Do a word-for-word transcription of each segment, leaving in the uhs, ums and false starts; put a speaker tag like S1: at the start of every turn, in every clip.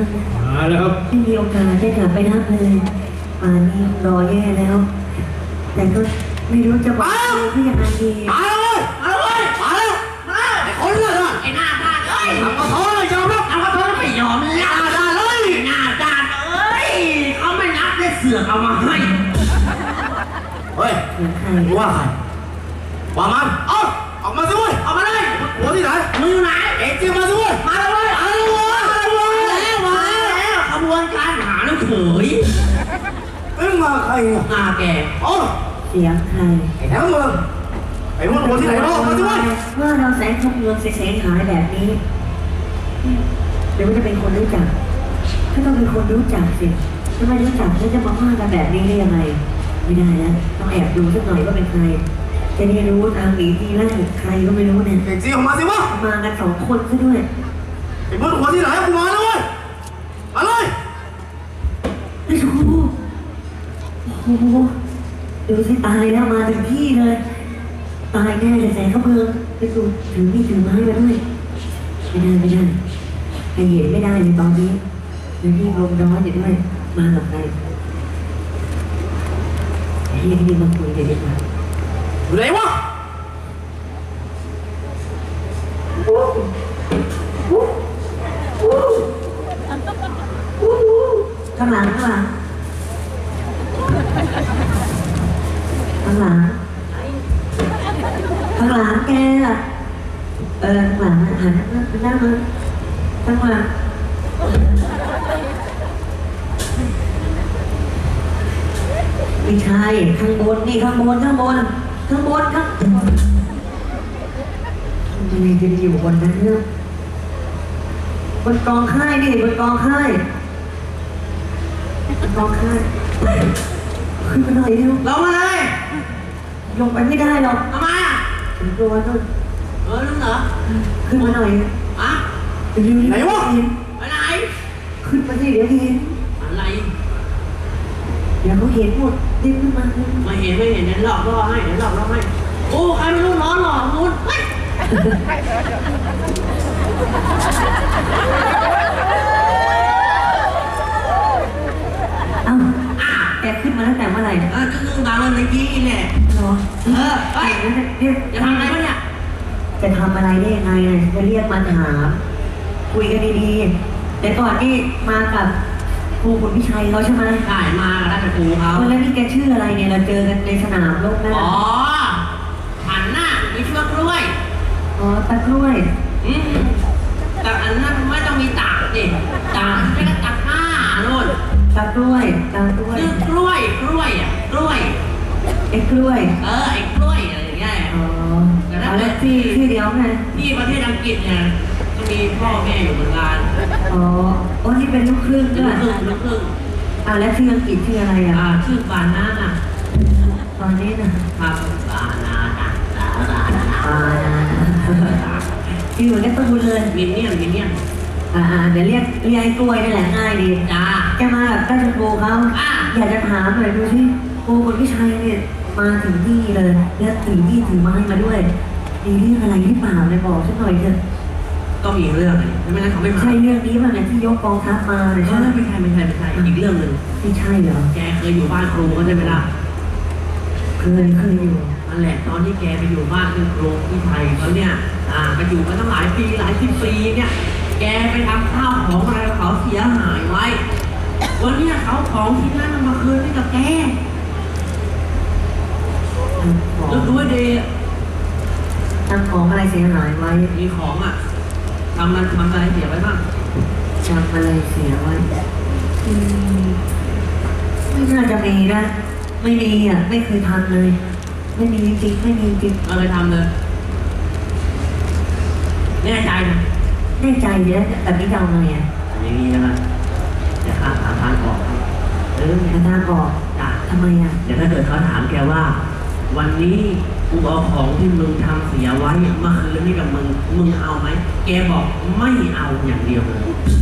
S1: ากนะ
S2: มาแล้วครับ
S1: ไม่มีโอกาสได้กลับไปรับเลยป่านนี้รอแย่แล้ว แต่ก็ไม่รู้จะบอกอะไรเพื่อยังไงดี
S2: มาเลยมาเลยมาแล้วมาไอ้คนเลยไอ้หน้าด้านเอ้ยทำกระท้อเลยยอมรับทำกระท้อไม่ยอมหน้าด้านเลยหน้าด้านเอ้ยเขาไม่นับได้เสือกเอามาให้เฮ้ย
S1: เสียงใคร
S2: มึงว่าใครว่ามันเอ้าออกมาสิเว้ยออกมาเลยหัวที่ไหนมึงอยู่ไหนเอ็งจริงมาสิเว้ยมาเลยเว้ยมาเลยเว้ยมาเลยมาแล้วขบวนการหาลูกเขยเอ็งมาใครเนี่ยมาแกโอ้
S1: เสียงใคร
S2: ไอ้แถวเมืองไอ้พวกหัวที่ไหนบ้างมาสิเว้ย
S1: ว่าเราแสงขบเมืองเสียหายแบบนี้หรือว่าจะเป็นคนรู้จักถ้าต้องเป็นคนรู้จักสิถ้าไม่รู้จักแล้วจะมาว่ากันแบบนี้ได้ยังไงไม่ได้แล้วต้องแอบดูสักหน่อยว่าเป็นใครจะได้รู้ทางหนีทีไล่ใครก็ไม่รู้เนี่ย
S2: เอ็งจริงออกมาสิวะ
S1: มากันสองคนซะด้วย
S2: ไอ้พวกหัวที่ไหนกูมาแล้วเว้ยมาเลย
S1: ไอ้ชูโอ้โหดูสิตายแล้วมาถึงที่เลยตายแน่เลยแสงขบเมืองไปดูถือมีดถือไม้มาด้วยไม่ได้ไม่ได้ใครเห็นไม่ได้เลยตอนนี้แล้วนี่ลมร้อนอยู่ด้วยมาหลบไปเรียกนี่มาคุยกันดีกว่า
S2: อยู่ไหนวะ
S1: ข้างหลังข้างหลังข้างหลังข้างหลังแกอะเออข้างหลังหันหน้าหน้ามาข้างหลังไม่ใช่ข้างบนนี่ข้างบนข้างบนข้างบนข้างทำไมจะอยู่บนนั้นเนี่ยบนกองค่ายนี่บนกองค่ายบนกองค่ายขึ้นมาหน่อยเร็ว
S2: ลงมาเลย
S1: ลงไปไม่ได้หรอก
S2: ทำไมอ่ะ
S1: ถึงตัวนู่น
S2: เออลุงเหรอ
S1: ขึ้นมาหน่อย
S2: อะ
S1: เร็วๆ
S2: ไหนวะ
S1: เห็น
S2: ไปไหน
S1: ขึ้นมาสิเดี๋ยวเห็น
S2: อะไร
S1: เดี๋ยวเขาเห็นหมดรีบขึ้นมาขึ้นมา
S2: ไม่เห็นไม่เห็นเดี๋ยวหลอกล่อให้เดี๋ยวหลอกล่อให้โอ้ใครไม่รู้ร้อนหลอกมุนเฮ้ย
S1: เอ้าแกขึ้นมาตั้งแต่เมื่อไหร่
S2: เออก็คือมาเมื่อกี้แหละ
S1: เหรอ
S2: เออเฮ้ย
S1: เรียก
S2: จะทำอะไรวะเนี่ย
S1: จะทำอะไรได้ยังไงเนี่ยจะเรียกมาถามคุยกันดีๆแต่ก่อนนี่มากับครูขุนพิชัยเขาใช่ไหม
S2: ได้มาแล้วจะปูเขา
S1: วันนั้นนี่แกชื่ออะไรเนี่ยเราเจอกันในสนามรบนะ
S2: อ๋อหันหน้ามีเชือกกล้วย
S1: อ๋อตะกล้วย
S2: อืมแต่อันนั้นไม่ต้องมีตากดิตากไม่ก็ตากผ้าโน่น
S1: ตะกล้วยตะกล้วย
S2: คือกล้วยกล้วยอ่ะกล้วย
S1: ไอ้กล้วย
S2: เออไอ้กล้วยอะไรอย่างเงี้ย
S1: อ๋อเอาแล้วที่ที่เดียวไง
S2: ที่ประเทศอังกฤษเนี่ยก็มีพ่อแม่อยู่เหมือนกัน
S1: อ๋อโอ้นี่เป็นลูกครึ่ง
S2: เป็
S1: ด้
S2: น
S1: วย
S2: ลูกครึ่งลูกครึ่ง
S1: อ่าแล้วที่อังกฤษชื่ออะไรอ่ะ
S2: อ่าชื่อบานาน่ะ
S1: ตอนนี้นะครับ
S2: บานาน่ะบานาน่ะ
S1: อ่าชื่อเหมือนกันตูนเลย
S2: มินเนี่ยนมินเนี่ยน
S1: อ่าเดี๋ยวเรียกเรียกไอ้กล้วยนี่แหละง่ายดี
S2: จ้า
S1: แกมาแบบใกล้จะโกเขา
S2: อ่ะ
S1: อยากจะถามหน่อยดูที่โกคนพี่ชัยเนี่ยมาถึงที่เลยแล้วถือมีดถือไม้มาด้วยมีเรื่องอะไรหรือเปล่าเลยบอกฉันหน่อยเถอะ
S2: ก็มีเรื่องอะไรไม่งั้นเขาไม่มา
S1: ใช่เรื่องนี้ป่ะเนี่ยที่ยกกองทัพมาเนี่ย
S2: เอ
S1: ใช่ไหม
S2: อไม่ใช่ไม่ใช่ไม่ใช่อีกเรื่องหนึ่ง
S1: ไม่ใช่เหรอ
S2: แกเคยอยู่บ้านครูก็ใช่ไหมล่ะ
S1: เคยเคยอยู่
S2: นั่นแหละตอนที่แกไปอยู่บ้านคือครูที่ไทยเขาเนี่ยอ่าไปอยู่มาตั้งหลายปีหลายสิบปีเนี่ยแกไปทำข้าวของอะไรของเขาเสียหายไว้วันเนี้ยเขาของที่นั่นเอามาคืนให้กับแก
S1: ของ
S2: นึกดูให้ดี
S1: ทำของอะไรเสียหายไว้
S2: มีของอ่ะทำมันทำอะไรเสียไว้บ้าง
S1: จำอะไรเสียไว้อืมไม่น่าจะมีนะ ไม่มีอ่ะ ไม่เคยทำเลย ไม่มีจริงๆไม่มีจริง
S2: เราเลยทำเลยแน่ใจนะ
S1: แน่ใจเดี๋ยวแต่ไม่เดาไงอ่ะ
S2: อย่างนี้นะจะหาหาทางออกเออ
S1: อาจารย์บอก
S2: จ้ะ
S1: ทำไมอ่ะ
S2: เดี๋ยวถ้าเกิดเขาถามแกว่า วันนี้กูเอาของที่มึงทำเสียไว้มาคืนให้กับมึงมึงเอาไหมแกบอกไม่เอาอย่างเดียวเลย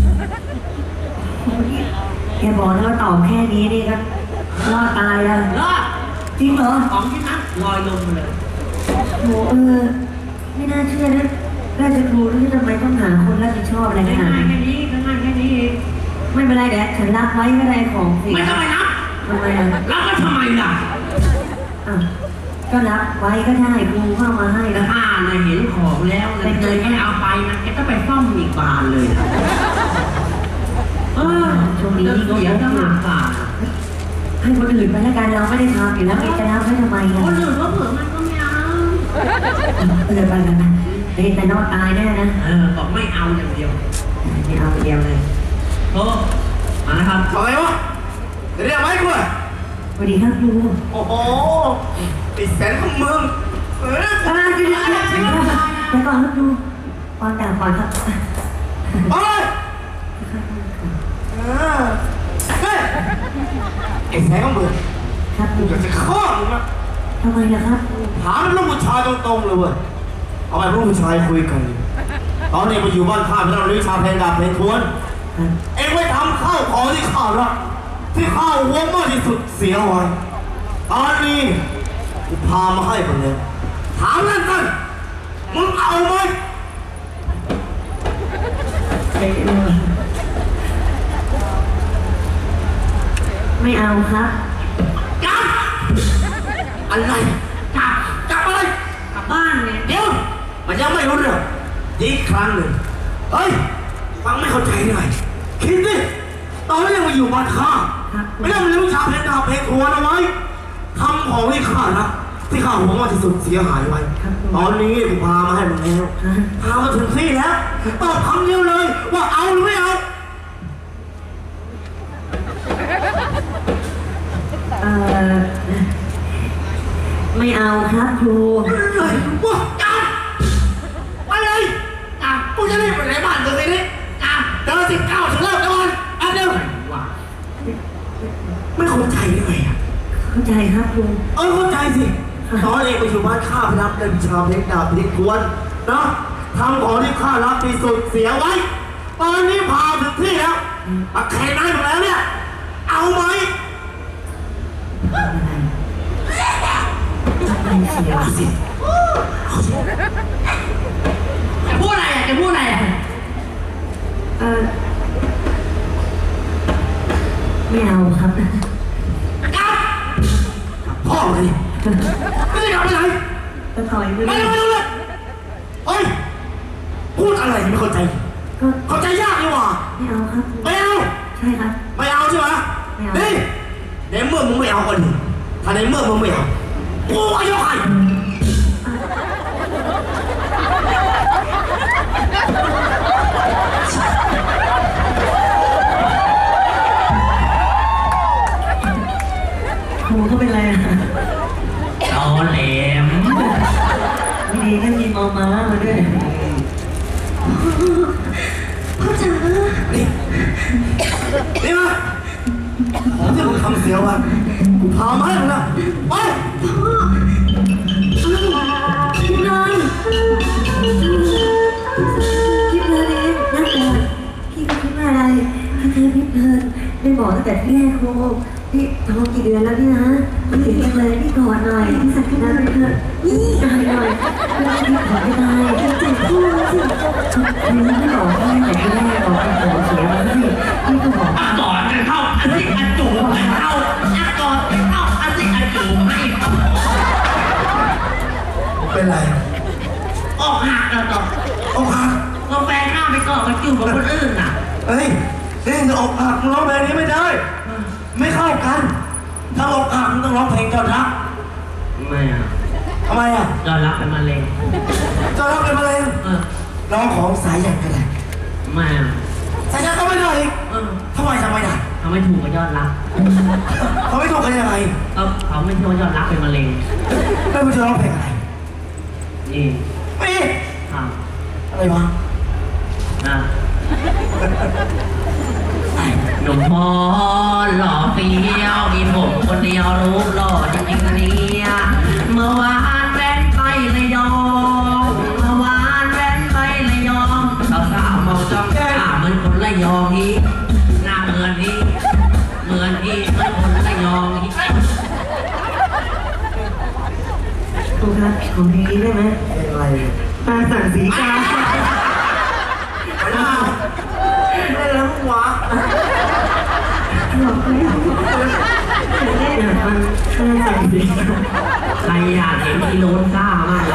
S1: แกบอกนะว่าตอบแค่นี้นี่ก็รอดตายแล้ว
S2: รอด
S1: จริงเหรอ
S2: ของที่นั้นลอยลงมาเลย
S1: โหเออ ไม่น่าเชื่อนะราชครูนี่ทำไมต้องหาคนรับผิดชอบอะไรขนาด
S2: ง่าย
S1: นี้
S2: ๆแค่นี้ง่ายๆแค่นี้เอง
S1: อไม่เป็นไรเดี๋ยวฉันรับไว้ไม่เป็นไรของสิ
S2: ไม่ทำไมนะ
S1: ทำไมอ่ะ
S2: รับก็ทำไมล่ะ
S1: อ่ะก็รับไว้ก็ได้ครูเข้ามาให้
S2: แต่
S1: นะ
S2: ถ้าน่ะเห็นของแล้วนะเกิดไม่เอาไปนะแกก็ไปซ่อมอีกบานเลยนะเออ
S1: ช่วงนี้
S2: จะ
S1: ก็
S2: เสีย
S1: เยอะ
S2: จะ
S1: อยู่
S2: มากกว่า
S1: ให้คนอื่นไปแล้วกันเราไม่ได้ทำอยู่แล้วจะรับไว้ทำไม
S2: ค
S1: อ่ะ
S2: นอื่นก็เผื่อมันก็ไม่เอา
S1: เตือนไปกันนะเฮ้ยแต่นอดตายแน่นะ
S2: เออบอกไม่เอาอย่างเดียว
S1: ไม่เอาเดียวเลย
S2: โอ้มานะครับ
S3: ทำไมวะเรียกไหมกูอะ
S1: สวัสดีครับครู
S3: โอ้โหติดแสนของมึงเออ
S1: อ่าเดี๋ยวเดี๋ยวเดี๋ยวเดี๋ยวเดี๋ยวก่อนครับครูก่อนด่าก่อนครับ
S3: ไปเลยเออเฮ้ยไอ้แสนของมึง
S1: ครับครู
S3: กูอยากจะฆ่ามึงนะ
S1: ทำไมล่ะครับครู
S3: ถามลูกผู้ชายตรงๆเลยเว้ยเอาไปลูกผู้ชายคุยกันตอนนี้มาอยู่บ้านข้าไม่ต้องวิชาเพลงดาบเพลงทวน
S1: ครับ
S3: เอ็งไว้ทำข้าวของที่ข้ารักที่ข้าหวงมากที่สุดเสียไว้ตอนนี้กูพามาให้คนเลยถามนั่นกันมึงเอาไหม
S1: เอ๊ะไม่เอาครับ
S3: จับอะไรจับจับอะไร
S2: กลับบ้านไง
S3: เดี๋ยวมันยังไม่รู้เรื่องอีกครั้งหนึ่งเฮ้ยฟังไม่เข้าใจได้ไงคิดดิตอนนี้ยังมาอยู่บ้านข้า
S1: ครับ
S3: ไม่ได้มาเลี้ยงชาเพลงดาบเพลงทวนเอาไว้ทำของที่ข้านะที่ข้าหวงมากที่สุดเสียหายไว้ ตอนนี้กูพามาให้มึงแล้วพามาถึงที่แล้วตอบคำเดียวเลยว่าเอาหรือไม่เอา
S1: เอ่อไม่เอาครับครู
S3: เลยว่าจับอะไรจับกูจะรีบไปไหนบ้านตัวนี้จับเดินสิบเก้าถึงเลิกก่อนอันเดียว
S2: ว่า
S3: ไม่เข้าใจได้ไงอ่ะ
S1: เข้าใจครับครู
S3: เออเข้าใจสิตอนเองไปอยู่บ้านข้าพรับเดินชาเพลงดาบเพลงทวนนะทำของที่ข้ารักที่สุดเสียไว้ ตอนนี้พาถึงที่แล้วมาแข่งได้หมดแล้วเนี่ย เอาไหม
S1: อะไรเสีย
S3: เอาสิ
S2: จะพูดอะไรอ่ะจะพูดอะไรอ่ะ
S1: เออไม่เอาครับ
S3: จับพ่อเลยไม่ได้กลับไปไหน
S1: ก็ถอยไป
S3: ไม่
S1: เล
S3: ได้
S1: ย
S3: ไม่ได้เลยเฮ้ยพูดอะไรไม่เข้าใจ
S1: ก็
S3: เข้าใจยากดีกว่า
S1: ไม่เอาครับครู
S3: ไม่เอา
S1: ใช่ครับ
S3: ไม่เอาใช่ไหม
S1: ไม่เอา
S3: นี่ในเมื่อมึงไม่เอาก็ดีถ้าในเมื่อมึงไม่เอากูก็ยกให้
S1: ครูก็เป็นไรอ่ะ
S2: ตอแหลม
S1: ไม่ดีก็มีมอมามาด้วยพ่อจ๋า
S3: นี่นี่มาของที่มึงทำเสียไว้กูพามาให้มึงนะไป
S1: พี่นายพี่เพลินเองนั่งก่อนพี่ก็คิดว่าอะไรพี่เพลินพี่เพลินได้บอกตั้งแต่ที่แรกครูพี่ท้องกี่เดือนแล้วพี่นะพี่ถึงจังเลยพี่กอดหน่อยพี่สักนะพี่เพลินนี่กอดหน่อยพี่ขอไม่ได้พี่เจ็บพูดสิพี่ไม่บอกพี่แต่ที่แรกบอกเป็นของเสียมาให้พี่ก็บอก
S2: อ่ะกอดกันเข้าอันสิอันจูบกันเข้าอ่ะกอดกันเข้าอันสิอันจูบให้เขา
S3: เป็นไร
S2: ออกหักแล้วต่อ
S3: อกหัก
S2: กาแฟหน้าไปกอดกันจูบกับคนอื่นน่ะ
S3: เฮ้ยเฮ้ยจะอกหักมึงร้องเพลงนี้ไม่ได้ ไม่เข้ากัน ถ้าอกหักมึงต้องร้องเพลงเจ้ารัก
S2: ไม่อ่ะ
S3: ทำไมอ่ะ
S2: ยอดรักเป็นมะเร็ง
S3: เจ้ารักเป็นมะเร็ง
S2: เออ
S3: ร้องของสายหยันกันแหละ
S2: ไม่อ่ะ
S3: สายหยันก็ไม่ได้อีก
S2: เออ
S3: ทำไมทำไมได้
S2: เขาไม่ถูกกับยอดรัก
S3: เขาไม่ถูกกันยังไง
S2: เขาเขาไม่ถูกยอดรักเป็นมะเร็ง
S3: แล้วมึงจะร้องเพลงอะไร
S2: นี่
S3: ไม่
S2: อ้าว
S3: อะไรวะ
S2: นะหนุ่มพอหล่อเฟี้ยวมีผมคนเดียวรูปหล่อจริงๆนะเนี่ยเมื่อวานแว้นไประยองเมื่อวานแว้นไประยองสาวสาวๆมองจ้องตาเหมือนคนระยองอีกหน้าเหมือนอีกเหมือนอีกเหมือนคนระยองอีก
S1: ครูครับของเพลงนี้ได้ไหม
S3: เพลงอะไร
S1: ตาสั่งสีกา
S3: ไม่ได้ไม่ได้แล้ววะ
S1: หลอกเลยแน่นมันน่าใส่ดี
S2: ใครอยากเห็นอีโลนซ่ามากเลย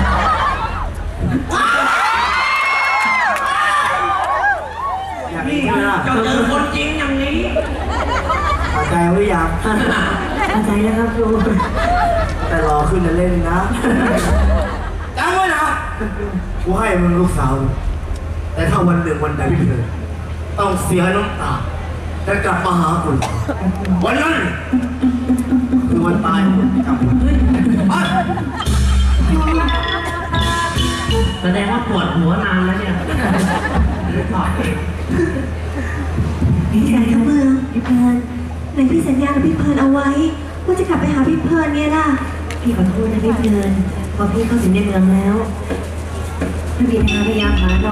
S3: อยาก
S2: นี่
S3: เห็นไหมล่ะ
S2: จะเจอคนจริงอย่างนี้
S3: พอใจหรือยัง
S1: เข้าใจแล้วครับครู
S3: แต่รอขึ้นจะเล่นนะจำไว้นะกูให้มึงลูกสาว แต่ถ้าวันหนึ่งวันใดพี่เธอต้องเสียน้ำตาจะกลับมาหาคุณวันนั้นคือวันตายของคุณกลับมาไป
S2: แสดงว่าปวดหัวนานแล้วเนี่ยถอดเอง
S4: พี่ชายเขาเมืองพี่เพลินในพี่สัญญากับพี่เพลินเอาไว้ว่าจะกลับไปหาพี่เพลินเนี่ยล่ะ
S1: พี่ขอโทษนะพี่เพลินพอพี่เข้าถึงในเมืองแล้วพระบิดาพยายามหาเรา